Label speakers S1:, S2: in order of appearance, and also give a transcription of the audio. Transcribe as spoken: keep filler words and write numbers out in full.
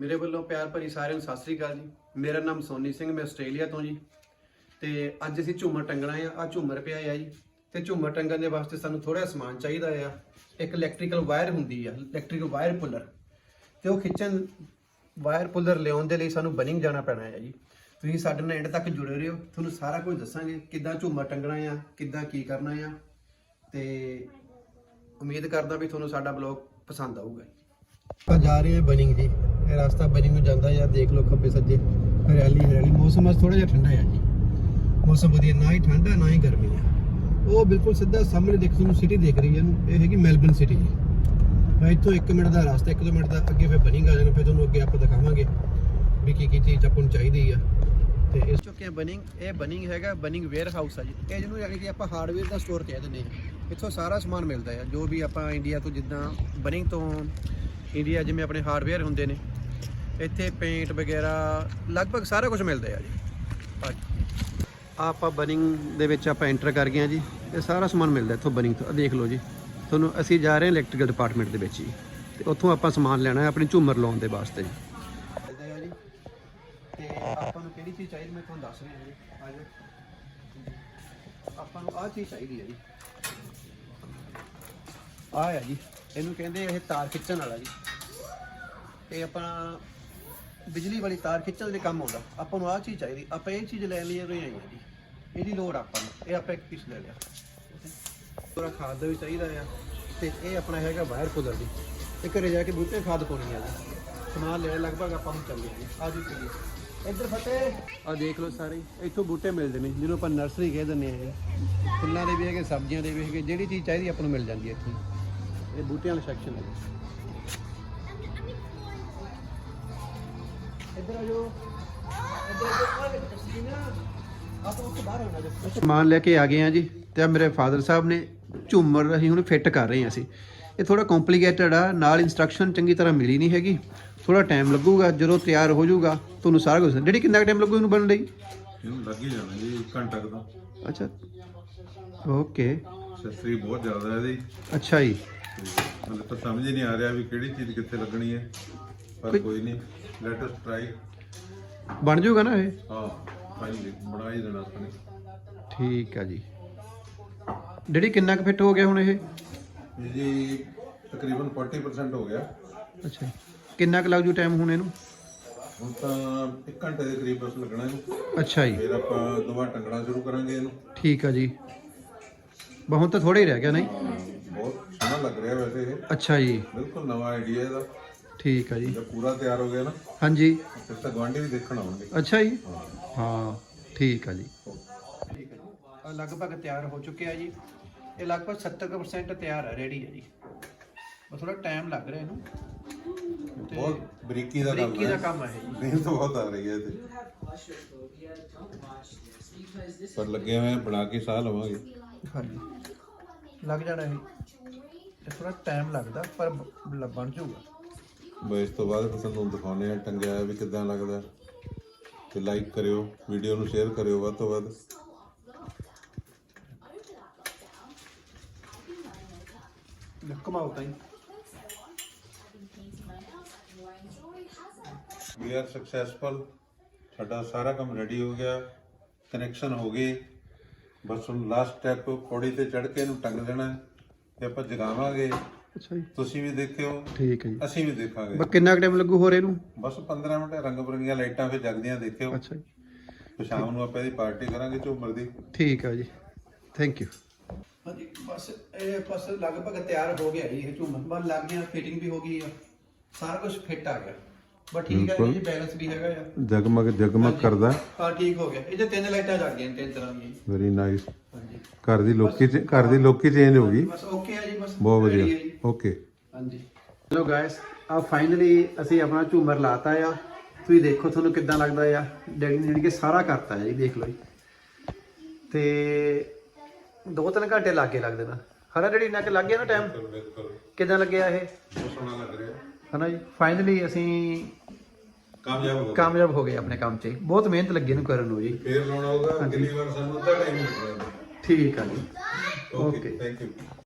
S1: ਮੇਰੇ ਵੱਲੋਂ ਪਿਆਰ ਭਰੀ ਸਾਰਿਆਂ ਨੂੰ ਸਤਿ ਸ੍ਰੀ ਅਕਾਲ ਜੀ। ਮੇਰਾ ਨਾਮ ਸੋਨੀ ਸਿੰਘ, ਮੈਂ ਆਸਟ੍ਰੇਲੀਆ ਤੋਂ ਜੀ। ਤੇ ਅੱਜ ਅਸੀਂ ਝੂਮਰ ਟੰਗਣਾ ਆ। ਆ ਝੂਮਰ ਪਿਆ ਆ ਜੀ, ਤੇ ਝੂਮਰ ਟੰਗਣ ਦੇ ਵਾਸਤੇ ਸਾਨੂੰ ਥੋੜਾ ਸਮਾਨ ਚਾਹੀਦਾ ਆ। ਇੱਕ ਇਲੈਕਟ੍ਰੀਕਲ ਵਾਇਰ ਹੁੰਦੀ ਆ, ਇਲੈਕਟ੍ਰੀਕਲ ਵਾਇਰ ਪੁੱਲਰ, ਤੇ ਉਹ ਖਿੱਚਣ ਵਾਇਰ ਪੁੱਲਰ ਲਿਆਉਣ ਦੇ ਲਈ ਸਾਨੂੰ ਬਨਿੰਗ ਜਾਣਾ ਪੈਣਾ ਹੈ ਜੀ। ਤੁਸੀਂ ਸਾਡੇ ਨਾਲ ਐਂਡ ਤੱਕ ਜੁੜੇ ਰਹੋ, ਤੁਹਾਨੂੰ ਸਾਰਾ ਕੁਝ ਦੱਸਾਂਗੇ ਕਿੱਦਾਂ ਝੂਮਰ ਟੰਗਣਾ ਆ, ਕਿੱਦਾਂ ਕੀ ਕਰਨਾ ਆ। ਤੇ ਉਮੀਦ ਕਰਦਾ ਵੀ ਤੁਹਾਨੂੰ ਸਾਡਾ ਬਲੌਗ ਪਸੰਦ ਆਊਗਾ। ਆਪਾਂ ਜਾ ਰਹੇ ਹਾਂ ਬਨਿੰਗ ਜੀ। ਇਹ ਰਸਤਾ ਬਨਿੰਗ ਨੂੰ ਜਾਂਦਾ ਆ, ਦੇਖ ਲਓ ਖੱਬੇ ਸੱਜੇ ਹਰਿਆਲੀ ਹਰਿਆਲੀ। ਮੌਸਮ ਅੱਜ ਥੋੜਾ ਜਿਹਾ ਠੰਡਾ ਆ ਜੀ, ਮੌਸਮ ਵਧੀਆ, ਨਾ ਹੀ ਠੰਡਾ ਨਾ ਹੀ ਗਰਮੀ ਆ। ਉਹ ਬਿਲਕੁਲ ਸਿੱਧਾ ਸਾਹਮਣੇ ਦੇਖੋ ਤੁਹਾਨੂੰ ਸਿਟੀ ਦਿਖ ਰਹੀ ਹੈ, ਇਹ ਹੈਗੀ ਮੈਲਬਨ ਸਿਟੀ ਜੀ। ਇੱਥੋਂ ਇੱਕ ਮਿੰਟ ਦਾ ਰਸਤਾ, ਇੱਕ ਦੋ ਮਿੰਟ ਦਾ ਅੱਗੇ ਫਿਰ ਬਨਿੰਗ ਆ ਜਾਣਾ, ਫਿਰ ਤੁਹਾਨੂੰ ਅੱਗੇ ਆਪਾਂ ਦਿਖਾਵਾਂਗੇ ਵੀ ਕੀ ਕੀ ਚੀਜ਼ ਆਪਾਂ ਨੂੰ ਚਾਹੀਦੀ ਆ। ਤੇ ਇਸ ਚੁੱਕੇ ਬਨਿੰਗ, ਇਹ ਬਨਿੰਗ ਹੈਗਾ ਬਨਿੰਗ ਵੇਅਰ ਹਾਊਸ ਆ ਜੀ। ਇਹ ਜਿਹਨੂੰ ਯਾਨੀ ਕਿ ਆਪਾਂ ਹਾਰਡਵੇਅਰ ਦਾ ਸਟੋਰ ਕਹਿ ਦਿੰਦੇ ਹਾਂ। ਇੱਥੋਂ ਸਾਰਾ ਸਮਾਨ ਮਿਲਦਾ ਆ, ਜੋ ਵੀ ਆਪਾਂ ਇੰਡੀਆ ਤੋਂ, ਜਿੱਦਾਂ ਬਨਿੰਗ ਤੋਂ ਇੰਡੀਆ ਜਿਵੇਂ ਆਪਣੇ ਹਾਰਡਵੇਅਰ ਹੁੰਦੇ ਨੇ, ਇੱਥੇ ਪੇਂਟ ਵਗੈਰਾ ਲਗਭਗ ਸਾਰਾ ਕੁਝ ਮਿਲਦਾ ਆ ਜੀ। ਆਪਾਂ ਬਨਿੰਗ ਦੇ ਵਿੱਚ ਆਪਾਂ ਐਂਟਰ ਕਰ ਗਏ ਹਾਂ ਜੀ। ਇਹ ਸਾਰਾ ਸਮਾਨ ਮਿਲਦਾ ਇੱਥੋਂ ਬਨਿੰਗ ਤੋਂ। ਦੇਖ ਲਓ ਜੀ, ਤੁਹਾਨੂੰ ਅਸੀਂ ਜਾ ਰਹੇ ਹਾਂ ਇਲੈਕਟ੍ਰੀਕਲ ਡਿਪਾਰਟਮੈਂਟ ਦੇ ਵਿੱਚ ਜੀ, ਤੇ ਉੱਥੋਂ ਆਪਾਂ ਸਮਾਨ ਲੈਣਾ ਹੈ ਆਪਣੀ ਝੂਮਰ ਲਾਉਣ ਦੇ ਵਾਸਤੇ ਜੀ। ਤੇ ਆਪਾਂ ਨੂੰ ਕਿਹੜੀ ਚੀਜ਼ ਚਾਹੀਦੀ ਮੈਂ ਤੁਹਾਨੂੰ ਦੱਸ ਰਿਹਾ ਜੀ। ਆ ਜਾਓ, ਆਪਾਂ ਨੂੰ ਆਹ ਚੀਜ਼ ਚਾਹੀਦੀ ਹੈ ਜੀ। ਆਹ ਹੈ ਜੀ, ਇਹਨੂੰ ਕਹਿੰਦੇ ਇਹ ਤਾਰ ਖਿੱਚਣ ਵਾਲਾ ਜੀ। ਇਹ ਆਪਣਾ ਬਿਜਲੀ ਵਾਲੀ ਤਾਰ ਖਿੱਚਣ ਦੇ ਕੰਮ ਆਉਂਦਾ। ਆਪਾਂ ਨੂੰ ਆਹ ਚੀਜ਼ ਚਾਹੀਦੀ, ਆਪਾਂ ਇਹ ਚੀਜ਼ ਲੈਣ ਲਈ ਆਏ ਹਾਂ ਜੀ। ਇਹਦੀ ਲੋੜ ਆਪਾਂ ਨੂੰ, ਇਹ ਆਪਾਂ ਇੱਕ ਪੀਸ ਲੈ ਲਿਆ। ਥੋੜਾ ਖਾਦ ਦਾ ਵੀ ਚਾਹੀਦਾ ਆ। ਤੇ ਇਹ ਆਪਣਾ ਹੈਗਾ ਵਾਇਰ ਪੁੱਲਰ ਜੀ। ਇਹ ਘਰੇ ਜਾ ਕੇ ਬੂਟੇ ਖਾਦ ਪਾਉਣੀ ਆ ਜੀ। ਸਮਾਨ ਲੈ ਲਗਭਗ ਆਪਾਂ ਨੂੰ ਚੱਲੇ ਜੀ। ਆ ਜੀ ਚਲੀਏ ਇੱਧਰ ਫਤਿਹ। ਆ ਦੇਖ ਲਓ ਸਾਰੇ ਇੱਥੋਂ ਬੂਟੇ ਮਿਲਦੇ ਨੇ, ਜਿਹਨੂੰ ਆਪਾਂ ਨਰਸਰੀ ਕਹਿ ਦਿੰਦੇ ਆ। ਇਹ ਫੁੱਲਾਂ ਦੇ ਵੀ ਹੈਗੇ, ਸਬਜ਼ੀਆਂ ਦੇ ਵੀ ਹੈਗੇ, ਜਿਹੜੀ ਚੀਜ਼ ਚਾਹੀਦੀ ਆਪਾਂ ਨੂੰ ਮਿਲ ਜਾਂਦੀ ਹੈ ਇੱਥੇ। ਇਹ ਬੂਟਿਆਂ ਵਾਲਾ ਸੈਕਸ਼ਨ ਹੈ ਜੀ। ਇੱਧਰ ਆ ਜਾਓ, ਇੱਧਰ ਆ ਜਾਓ। ਆਪਾਂ ਉੱਥੇ ਬਾਹਰ ਹੋਣਾ ਜੀ। ਸਮਾਨ ਲੈ ਕੇ ਆ ਗਏ ਆ ਜੀ। ਤੇ ਮੇਰੇ ਫਾਦਰ ਸਾਹਿਬ ਨੇ ਝੂਮਰ ਅਸੀਂ ਹੁਣ ਫਿੱਟ ਕਰ ਰਹੇ ਹਾਂ ਅਸੀਂ। ਇਹ ਥੋੜਾ ਕੰਪਲੀਕੇਟਡ ਆ, ਨਾਲ ਇੰਸਟਰਕਸ਼ਨ ਚੰਗੀ ਤਰ੍ਹਾਂ ਮਿਲੀ ਨਹੀਂ ਹੈਗੀ। ਥੋੜਾ ਟਾਈਮ ਲੱਗੂਗਾ, ਜਦੋਂ ਤਿਆਰ ਹੋ ਜਾਊਗਾ ਤੁਹਾਨੂੰ ਸਾਰਾ ਕੁਝ। ਜਿਹੜੀ ਕਿੰਨਾ ਟਾਈਮ ਲੱਗੂ ਇਹਨੂੰ ਬਣਨ ਲਈ?
S2: ਇਹਨੂੰ ਲੱਗ ਹੀ ਜਾਣਾ ਜੀ ਇੱਕ ਘੰਟਾ ਕੁ ਦਾ।
S1: ਅੱਛਾ, ਓਕੇ।
S2: ਸਸਰੀ ਬਹੁਤ ਜ਼ਿਆਦਾ ਇਹਦੀ।
S1: ਅੱਛਾ ਜੀ।
S2: ਮੈਨੂੰ ਤਾਂ ਸਮਝ ਹੀ ਨਹੀਂ ਆ ਰਿਹਾ ਵੀ ਕਿਹੜੀ ਚੀਜ਼ ਕਿੱਥੇ ਲੱਗਣੀ ਹੈ, ਪਰ ਕੋਈ ਨਹੀਂ, ਲੈਟ ਅਸ ਟਰਾਈ।
S1: ਬਣ ਜਾਊਗਾ ਨਾ ਇਹ?
S2: ਹਾਂ, ਫਾਈਨਲੀ ਬਣਾ ਹੀ ਦੇਣਾ ਸਾਨੇ।
S1: ਠੀਕ ਆ ਜੀ। ਡੈਡੀ ਕਿੰਨਾ ਕੁ ਫਿੱਟ ਹੋ ਗਿਆ ਹੁਣ ਇਹ?
S2: ਜੀ ਤਕਰੀਬਨ ਚਾਲੀ ਪਰਸੈਂਟ ਹੋ ਗਿਆ।
S1: ਅੱਛਾ, ਕਿੰਨਾ ਕੁ ਲੱਗ ਜੂ ਟਾਈਮ ਹੁਣ ਇਹਨੂੰ?
S2: ਹੁਣ ਤਾਂ ਇੱਕ ਘੰਟੇ ਦੇ ਕਰੀਬ ਬਸ ਲੱਗਣਾ ਇਹਨੂੰ।
S1: ਅੱਛਾ ਜੀ।
S2: ਫਿਰ ਆਪਾਂ ਦੁਬਾਰਾ ਟੰਗਣਾ ਸ਼ੁਰੂ ਕਰਾਂਗੇ ਇਹਨੂੰ।
S1: ਠੀਕ ਆ ਜੀ। ਬਸ ਹੁਣ ਤਾਂ ਥੋੜਾ ਹੀ ਰਹਿ ਗਿਆ ਨਹੀਂ?
S2: ਬਹੁਤ ਸੋਹਣਾ ਲੱਗ ਰਿਹਾ ਵੈਸੇ ਇਹ।
S1: ਅੱਛਾ ਜੀ।
S2: ਬਿਲਕੁਲ ਨਵਾਂ ਆਈਡੀਆ ਇਹਦਾ।
S1: ਠੀਕ ਆ ਜੀ।
S2: ਜਦ ਪੂਰਾ ਤਿਆਰ ਹੋ ਗਿਆ ਨਾ,
S1: ਹਾਂਜੀ,
S2: ਫਿਰ ਤਾਂ ਗੁਆਂਢੀ ਵੀ ਦੇਖਣ ਆਉਣਗੇ।
S1: ਅੱਛਾ ਜੀ। ਹਾਂ ਠੀਕ ਆ ਜੀ। ਠੀਕ ਹੈ ਜੀ, ਲਗਭਗ ਤਿਆਰ ਹੋ ਚੁੱਕਿਆ ਜੀ। ਇਹ ਲਗਭਗ ਸੱਤਰ ਪਰਸੈਂਟ ਤਿਆਰ ਹੈ, ਰੈਡੀ ਹੈ ਜੀ। ਬਸ ਥੋੜਾ ਟਾਈਮ ਲੱਗ ਰਿਹਾ ਇਹਨੂੰ।
S2: ਬਹੁਤ ਬਰੀਕੀ ਦਾ ਕੰਮ ਹੈ।
S1: ਬਰੀਕੀ ਦਾ ਕੰਮ ਹੈ ਜੀ।
S2: ਮਿਹਨਤ ਬਹੁਤ ਆ ਰਹੀ ਹੈ ਇਹਦੇ, ਪਰ ਲੱਗੇ ਹੋਏ ਬਣਾ ਕੇ ਸਾਹ ਲਵਾਂਗੇ।
S1: ਹਾਂਜੀ, ਲੱਗ ਜਾਣਾ ਇਹ। ਇਹ ਥੋੜਾ ਟਾਈਮ ਲੱਗਦਾ, ਪਰ ਬਣ ਜਾਊਗਾ।
S2: ਬਸ ਇਸ ਤੋਂ ਬਾਅਦ ਤੁਹਾਨੂੰ ਦਿਖਾਉਂਦੇ ਆ ਟੰਗਿਆ ਵੀ ਕਿੱਦਾਂ ਲੱਗਦਾ। ਤੇ ਲਾਈਕ ਕਰਿਓ, ਵੀਡੀਓ ਨੂੰ ਸ਼ੇਅਰ ਕਰਿਓ ਵੱਧ ਤੋਂ ਵੱਧ।
S1: ਘੁਮਾਓ ਤਾਂ ਜੀ।
S2: We are successful. ਸਾਡਾ ਸਾਰਾ ਕੰਮ ਰੈਡੀ ਹੋ ਗਿਆ, ਕਨੈਕਸ਼ਨ ਹੋ ਗਏ। ਬਸ ਹੁਣ ਲਾਸਟ ਸਟੈਪ ਪੌੜੀ ਤੇ ਚੜ੍ਹ ਕੇ ਇਹਨੂੰ ਟੰਗ ਦੇਣਾ ਤੇ ਆਪਾਂ ਜਗਾਵਾਂਗੇ।
S1: ਅੱਛਾ ਜੀ।
S2: ਤੁਸੀਂ ਵੀ ਦੇਖਿਓ,
S1: ਠੀਕ ਹੈ ਜੀ।
S2: ਅਸੀਂ ਵੀ ਦੇਖਾਂਗੇ।
S1: ਬਸ ਕਿੰਨਾ ਟਾਈਮ ਲੱਗੂ ਹੋਰ ਇਹਨੂੰ?
S2: ਬਸ ਪੰਦਰਾਂ ਮਿੰਟ। ਰੰਗ ਬਰੰਗੀਆਂ ਲਾਈਟਾਂ ਫਿਰ ਜਗਦੀਆਂ ਦੇਖਿਓ।
S1: ਅੱਛਾ ਜੀ।
S2: ਤੇ ਸ਼ਾਮ ਨੂੰ ਆਪਾਂ ਇਹਦੀ ਪਾਰਟੀ ਕਰਾਂਗੇ ਝੂਮਰ ਦੀ।
S1: ਠੀਕ ਆ ਜੀ, ਥੈਂਕ ਯੂ। ਹਾਂਜੀ, ਬਸ ਇਹ ਬਸ ਲਗਭਗ ਤਿਆਰ ਹੋ ਗਿਆ ਜੀ। ਇਹ ਝੂਮਰ ਬਸ ਲੱਗ ਗਿਆ, ਫਿਟਿੰਗ ਵੀ ਹੋ ਗਈ ਆ, ਸਾਰਾ ਕੁਝ ਫਿੱਟ ਆ ਗਿਆ। ਬਸ ਠੀਕ ਹੈ ਜੀ, ਬੈਲੈਂਸ ਵੀ ਹੈਗਾ ਆ,
S2: ਜਗਮਗ ਜਗਮਗ ਕਰਦਾ।
S1: ਹਾਂ ਠੀਕ ਹੋ ਗਿਆ। ਇਹਦੇ ਤਿੰਨ ਲਾਈਟਾਂ ਜਗ ਗਈਆਂ, ਤਿੰਨ ਤਰ੍ਹਾਂ ਦੀਆਂ।
S2: Very nice.
S1: ਹਾਂਜੀ,
S2: ਘਰ ਦੀ ਲੋਕੀ ਘਰ ਦੀ ਲੋਕੀ ਚੇਂਜ ਹੋ ਗਈ।
S1: ਬਸ ਓਕੇ ਆ ਜੀ। ਬਸ
S2: ਬਹੁਤ
S1: ready
S2: ਵਧੀਆ,
S1: ਹੈ ਜੀ।
S2: ਓਕੇ।
S1: ਹਾਂਜੀ, ਚਲੋ ਗਾਇਸ, ਆ ਫਾਈਨਲੀ ਅਸੀਂ ਆਪਣਾ ਝੂਮਰ ਲਾਤਾ ਆ। ਤੁਸੀਂ ਦੇਖੋ ਤੁਹਾਨੂੰ ਕਿੱਦਾਂ ਲੱਗਦਾ ਆ। ਡੈਡੀ ਨੇ ਜਿਹੜੀ ਕਿ ਸਾਰਾ ਕਰਤਾ ਹੈ ਜੀ, ਦੇਖ ਲਓ ਜੀ। ਤੇ ਦੋ ਤਿੰਨ ਘੰਟੇ ਲੱਗੇ ਲੱਗਦੇ ਨਾ, ਹਨਾ ਡੈਡੀ? ਇੰਨਾ ਕਿ ਲੱਗ ਗਿਆ ਨਾ ਟਾਈਮ? ਕਿੱਦਾਂ ਲੱਗਿਆ ਇਹ?
S2: ਬਹੁਤ ਸੋਹਣਾ ਲੱਗ ਰਿਹਾ
S1: ਹਨਾ ਜੀ। ਫਾਈਨਲੀ ਅਸੀਂ
S2: ਕਾਮਯਾਬ ਹੋ ਗਏ।
S1: ਕਾਮਯਾਬ ਹੋ ਗਏ ਆਪਣੇ ਕੰਮ 'ਚ। ਬਹੁਤ ਮਿਹਨਤ ਲੱਗੀ ਇਹਨੂੰ ਕਰਨ ਨੂੰ ਜੀ।
S2: ਫੇਰ ਲਾਉਣਾ ਹੋਗਾ, ਅਗਲੀ ਵਾਰ ਸਾਨੂੰ ਅੱਧਾ ਟਾਈਮ ਮਿਲੇਗਾ।
S1: ਠੀਕ ਆ ਜੀ,
S2: ਓਕੇ, ਥੈਂਕ ਯੂ।